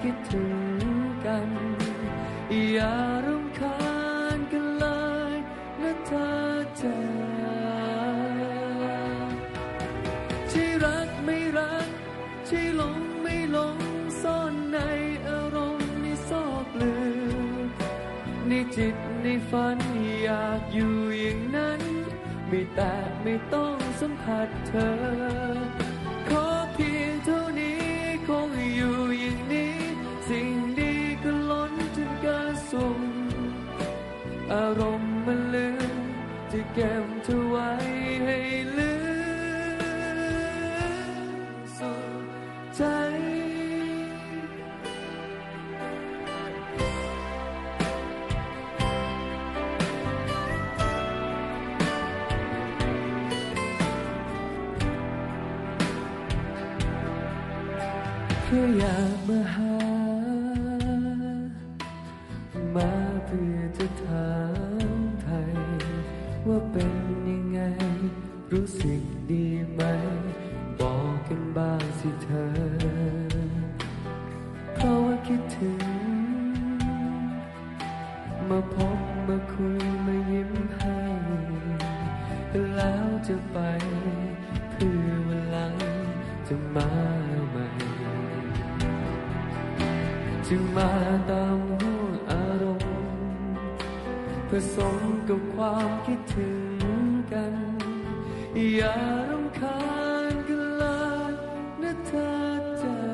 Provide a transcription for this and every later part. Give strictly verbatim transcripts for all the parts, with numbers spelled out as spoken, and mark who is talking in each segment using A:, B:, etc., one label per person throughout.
A: คิดถึงกันอย่ารำคาญกันเลยนะเธอจ๋าใช่รักไม่รักใช่หลงไม่หลงซ่อนในอารมณ์ในซอกลึกในจิตในฝันอยากอยู่อย่างนั้นไม่แต่ไม่ต้องสัมผัสเธอขอเพียงเท่านี้คงอยู่อย่างนี้สิ่งดีก็ล้นจนเกินสุ่มอารมณ์มันลืมจะเก็บเธอไว้ให้ลืมสุดใจแค่อยากมาหามาเพื่อจะถามไทยว่าเป็นยังไงรู้สึกดีไหมบอกกันบ้างสิเธอเพราะว่าคิดถึงมาพบมาคุยมายิ้มให้แล้วจะไปเพื่อวันหลังจะมาใหม่จึงมาตามห้วงอารมณ์ผสมกับความคิดถึงกันอย่ารำคาญกันเลยนะเธอจ๋า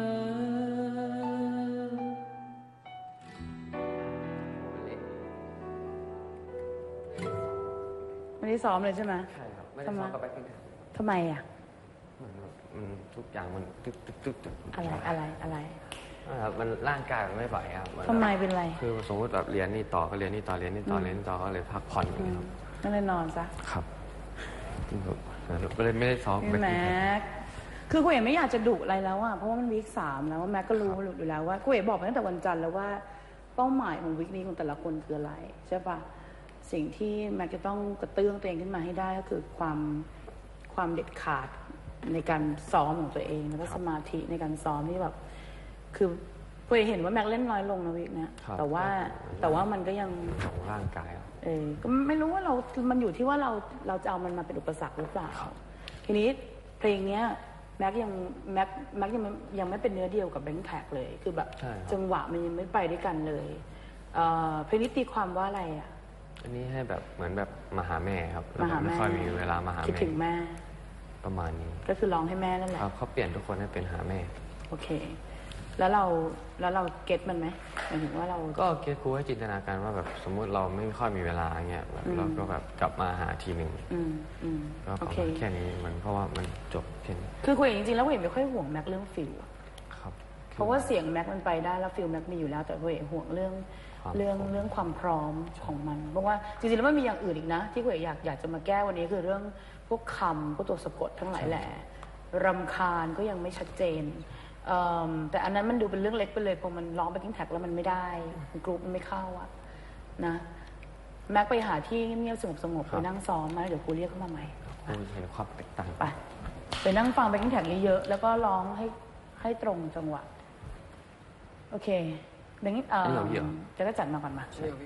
B: ไม่ได้ซ้อมเลยใช่ไหม
A: ใช่ครับไม่ได้ซ้อมกับแบ็คกิ้ง
B: ทำไมอ่ะ
A: มันทุกอย่างมันตึ๊กตึ๊กตึ๊กตึ๊ก
B: อะไรอะไรอะไร
A: ครับมันร่างกายมันไม่ไหวครับ
B: ทำไมเป็นไร
A: คือสมมติแบบเรียนนี่ต่อก็เรียนนี่ต่อเรียนนี่ต่อเรียนนี่ต่อก็เลยพักผ่อนอย่างเงี้ยครับ
B: ก็เลยนอนซะ
A: ครับก็เลยไม่ได้ซ้อม
B: แม็กคือกูเอ๋ไม่อยากจะดุอะไรแล้วอ่ะเพราะว่ามันวีคสามแล้วว่าแม็กก็รู้อยู่แล้วว่ากูเอ๋บอกไปตั้งแต่วันจันทร์แล้วว่าเป้าหมายของวีคนี้ของแต่ละคนคืออะไรใช่ปะสิ่งที่แม็กจะต้องกระตุ้นตัวเองขึ้นมาให้ได้ก็คือความความเด็ดขาดในการซ้อมของตัวเองแล้วก็สมาธิในการซ้อมที่แบบคือกูเห็นว่าแม็กเล่นน้อยลงนะวิกนะแต่ว่าแต่ว่ามันก็ยัง
A: ของร่างกาย
B: เออก็ไม่รู้ว่าเรา มันอยู่ที่ว่าเราเราจะเอามันมาเป็นอุปสรรคหรือเปล่าทีนี้เพลงเนี้ยแม็กยังแม็กแม็กยังยังไม่เป็นเนื้อเดียวกับแบงค์แท็กเลยคือแบบจังหวะมันยังไม่ไปด้วยกันเลยเออเพลงนี้ตีความว่าอะไรอ่ะ
A: อันนี้ให้แบบเหมือนแบบมาหาแม่ครับไม่ค่อยมีเวลามาหาแม่
B: คิดถึงแม่
A: ประมาณนี้
B: ก็คือร้องให้แม่นั่นแหละ
A: เขาเปลี่ยนทุกคนให้เป็นหาแม่
B: โอเคแล้วเราแล้วเราเก็ตมันไหมหมายถึงว่าเรา
A: ก็เก็ตครูให้จินตนาการว่าแบบสมมุติเราไม่ค่อยมีเวลาเงี้ยแบบเราก็แบบกลับมาหาทีหนึ่งก็ประมาณแค่นี้มันเพราะว่ามันจบแค่นี้
B: คือคุยจริงๆแล้วคุยไม่ค่อยห่วงแม็กเรื่องฟิล
A: ครับ
B: เพราะว่าเสียงแม็กมันไปได้แล้วฟิลแม็กมีอยู่แล้วแต่คุยห่วงเรื่องเรื่องเรื่องความพร้อมของมันเพราะว่าจริงๆแล้วมันมีอย่างอื่นอีกนะที่คุยอยากอยากจะมาแก้วันนี้คือเรื่องพวกคำพวกตัวสะกดทั้งหลายแหละรำคาญก็ยังไม่ชัดเจนแต่อันนั้นมันดูเป็นเรื่องเล็กไปเลยพอมันร้องไปกิ้งแท็กแล้วมันไม่ได้กรุ๊ปมันไม่เข้าอะนะแม็กไปหาที่เงียบๆสงบๆไปนั่งซ้อมมาเดี๋ยวครูเรียกเข้ามาใหม่
A: เห็นความแตกต่าง
B: ไปไปนั่งฟังไปกิ้งแท็กเยอะๆแล้วก็ร้องให้ให้ตรงจังหวะโอเคเดี๋ยวนี้เออจะได้จัดมาก่อนมา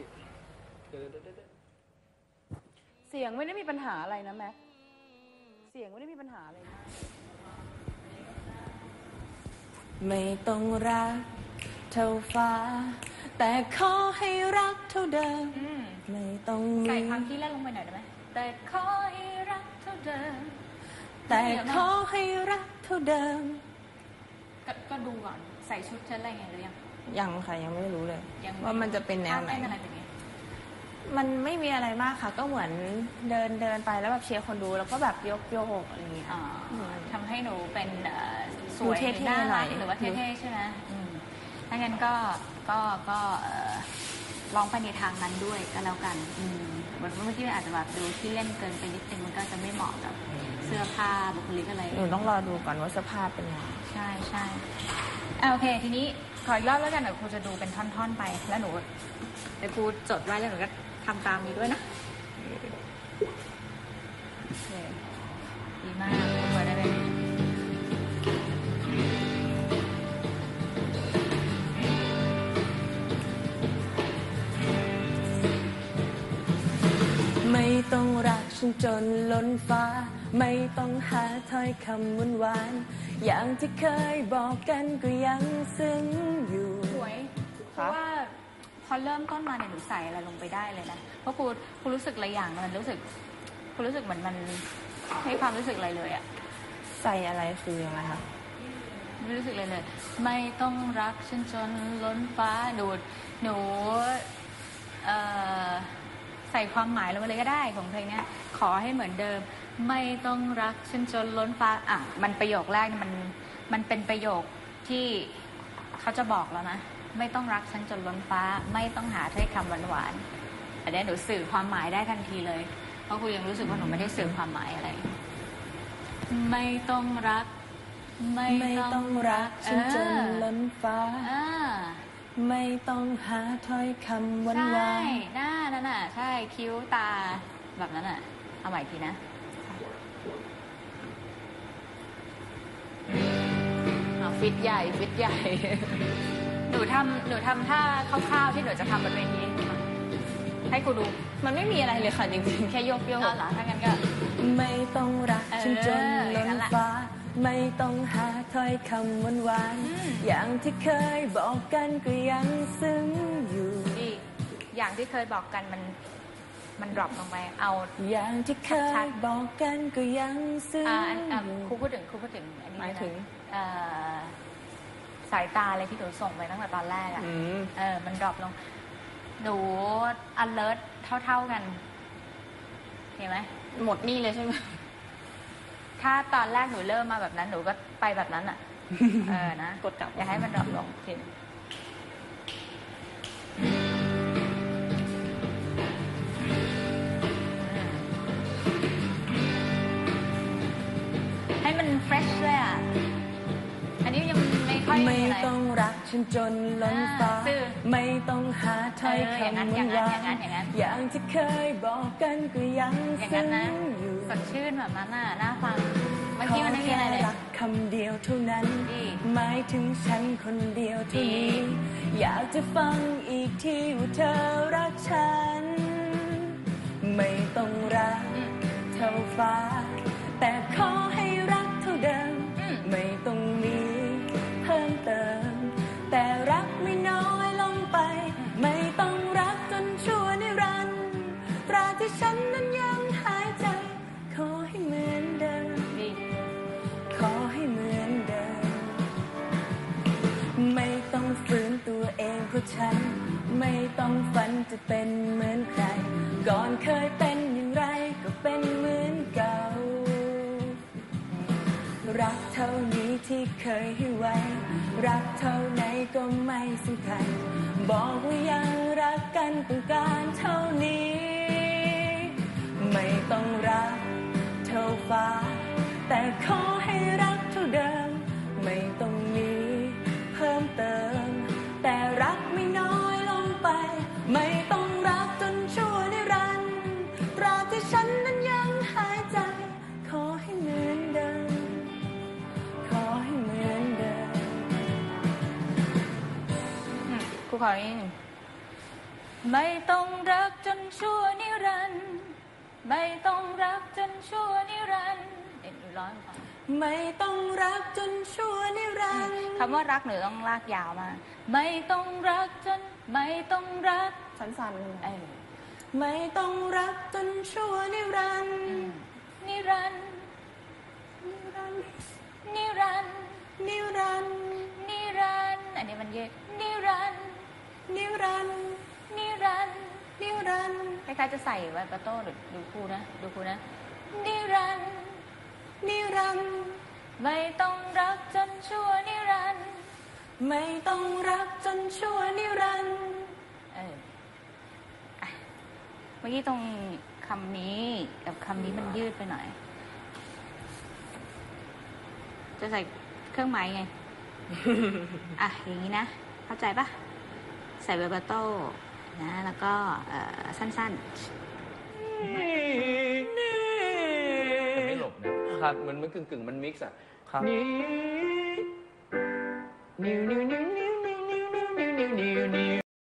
B: เสียงไม่ได้มีปัญหาอะไรนะแม็กเสียงไม่ได้มีปัญหาอะไรนะไม่ต้องรักเท่าฟ้าแต่ขอให้รักเท่าเดิมไม่ต้อง
C: ใส่ความที่เล่นลงไปหน่อยได้ไหมแต่ขอให้รักเท่าเดิม
B: แต่ขอให้รักเท่าเดิม
C: ก็ดูก่อนใส่ชุดชั้นอะไรไงหรือยัง
D: ยังค่ะยังไม่รู้เลยว่ามันจะเป็นแนวไหน
C: มั
D: นไม่มีอะไรมากค่ะก็เหมือนเดินเดินไปแล้วแบบเชียร์คนดูแล้วก็แบบยกโยกอะไรอย่างเงี้ย
C: ทำให้หนูเป็นสวยเท่ๆหน่อยหรือว่าเท่ๆใช่ไหมถ้างั้นก็ก็ก็ลองไปในทางนั้นด้วยก็แล้วกันเหมือนเมื่อกี้อาจจะแบบดูที่เล่นเกินไปนิดนึงมันก็จะไม่เหมาะกับเสื้อผ้าบุคลิกอะไร
D: หนูต้องรอดูก่อนว่าเสื้อผ้าเป็นยังไง
C: ใช่ใช่โอเคทีนี้ขออีกรอบแล้วกันเดี๋ยวครูจะดูเป็นท่อนๆไปแล้วหนูเดี๋ยวครูจดไว้แล้วหนูก็ทำตามนี้ด้วยนะดีมากเปิดได้เลย
E: ต้องรักฉันจนล้นฟ้าไม่ต้องหาถ้อยคำหวานหวานอย่างที่เคยบอกกันก็ยังซึ้งอยู่
C: สวยเพราะว่าพอเริ่มต้นมาเนี่ยหนูใส่อะไรลงไปได้เลยนะเพราะครูครูรู้สึกอะไรอย่างมันรู้สึกครูรู้สึกเหมือนมันให้ความรู้สึกอะไรเลยอะ
E: ใส่อะไรคือยังไงคะ
C: ไม่รู้สึกเลยเลยไม่ต้องรักฉันจนล้นฟ้าดูหนูเอ่อใส่ความหมายลงไปเลยก็ได้ของเพลงนี้ขอให้เหมือนเดิมไม่ต้องรักฉันจนล้นฟ้าอ่ะมันประโยคแรกมันมันเป็นประโยคที่เขาจะบอกแล้วนะไม่ต้องรักฉันจนล้นฟ้าไม่ต้องหาถ้อยคำหวานๆอันนี้หนูสื่อความหมายได้ทันทีเลยเพราะครูยังรู้สึกว่าหนูไม่ได้สื่อความหมายอะไรไม่ต้องรัก
E: ไม่ต้องรักฉันจนล้นฟ้าไม่ต้องหาถ้อยคำหวานหวาน
C: ใช่หน้านั่นน่ะใช่คิ้วตาแบบนั้นน่ะเอาใหม่ทีนะฟิตใหญ่ฟิตใหญ่หนูทำหนูทำท่าคร่าวๆที่หนูจะทำบนเวทีให้กูดู
E: มันไม่มีอะไรเลยค่ะจริงๆแค่ยกโยก
C: เหรอถ้างั้นก็
E: ไม่ต้องรักฉันจนล้นฟ้าไม่ต้องหาถ้อยคำหวานหวานอย่างที่เคยบอกกันก็ยังซึ้งอยู่
C: ดีอย่างที่เคยบอกกันมันมันดรอปลงไปเอา
E: อย่างที่เคยบอกกันก็ยังซึ้ง
C: อยู่ครูพูดถึงครูพูดถึงอันนี้
E: หมายถึง
C: สายตาอะไรที่หนูส่งไปตั้งแต่ตอนแรกอ่ะเออมันดรอปลงหนู alert เท่าๆกันเห็นไหม
E: หมดนี่เลยใช่ไหม
C: ถ้าตอนแรกหนูเริ่มมาแบบนั้นหนูก็ไปแบบนั้นอ่ะเออนะ
E: กดกลับ
C: อย่าให้มันดรอปลงทีให้มัน fresh เลยอ่ะอันนี้ยังไม่ค่อย
E: ไม่ต้องรักฉันจนล้นฟ้าไม่ต้องหาถ้อยคำหวานหวานอย่างที่เคยบอกกันก็ยังซึ้งอยู่
C: สดชื่นแบบนั้นน่ะน่าฟังเมื่อกี้มันไม่มีอะไรเลย
E: รักคำเดียวเท่านั้นหมายถึงฉันคนเดียวเท่านี้อยากจะฟังอีกทีว่าเธอรักฉันไม่ต้องรักเท่าฟ้าแต่ขอให้รักเท่าเดิมไม่ต้องมีเพิ่มเติมแต่รักไม่น้อยลงไปไม่ต้องรักจนชั่วนิรันดร์ตราที่ฉันนั้นยังหายใจขอให้เหมือนเดิมขอให้เหมือนเดิมไม่ต้องฝืนตัวเองเพราะฉันไม่ต้องฝันจะเป็นเหมือนใครก่อนเคยเป็นอย่างไรก็เป็นเหมือนเก่ารักเท่านี้ที่เคยให้ไว้รักเท่าไหนก็ไม่สำคัญบอกว่ายังรักกันต้องการเท่านี้ไม่ต้องรักเท่าฟ้าแต่ขอให้รักเท่าเดิมไม่ต้องมีเพิ่มเติมแต่รักไม่น้อยลงไปไม่ต้องรักจนชั่วนิรันดร์ตราบที่ฉันนั้นยังหายใจขอให้เหมือนเดิมขอให้เหมือนเดิม
C: ครูขออีกนิดหนึ่งไม่ต้องรักจนชั่วนิรันดร์ไม่ต้องรักจนชั่วนิรันดร์เอ็นร้อย
E: ไม่ต้องรักจนชั่วนิรันดร์
C: คำว่ารักหนูต้องลากยาวมาไม่ต้องรักจนไม่ต้องรัก
E: สั้นๆเออไม่ต้องรักจนชั่วนิรันดร์
C: นิรันดร์นิรันดร์นิรันดร์
E: นิรันดร์
C: นิรันดร์อันนี้มันเยอะนิรันดร์
E: นิรันดร์
C: นิรันดร์
E: นิรันดร์
C: คล้ายๆจะใส่ไวโบราโต้หรือดูครูนะดูครูนะนิรันดร์
E: นิรันดร์
C: ไม่ต้องรักจนชั่วนิรันดร์
E: ไม่ต้องรักจนชั่วนิรันดร์
C: เออเมื่อกี้ตรงคำนี้กับคำนี้มันยืดไปหน่อยจะใส่เครื่องหมายไง อ่ะอย่างนี้นะเข้าใจปะใส่ไวโบราโต้นะแล้วก็สั้นๆ
A: ไม่หลบนะครับมันมันกึ่งกึ่งมันมิกซ์อ่ะครับนิ้วนิ้วนิ้วนิ้วนิ้วนิ้วนิ้วนิ้วนิ้วนิ้ว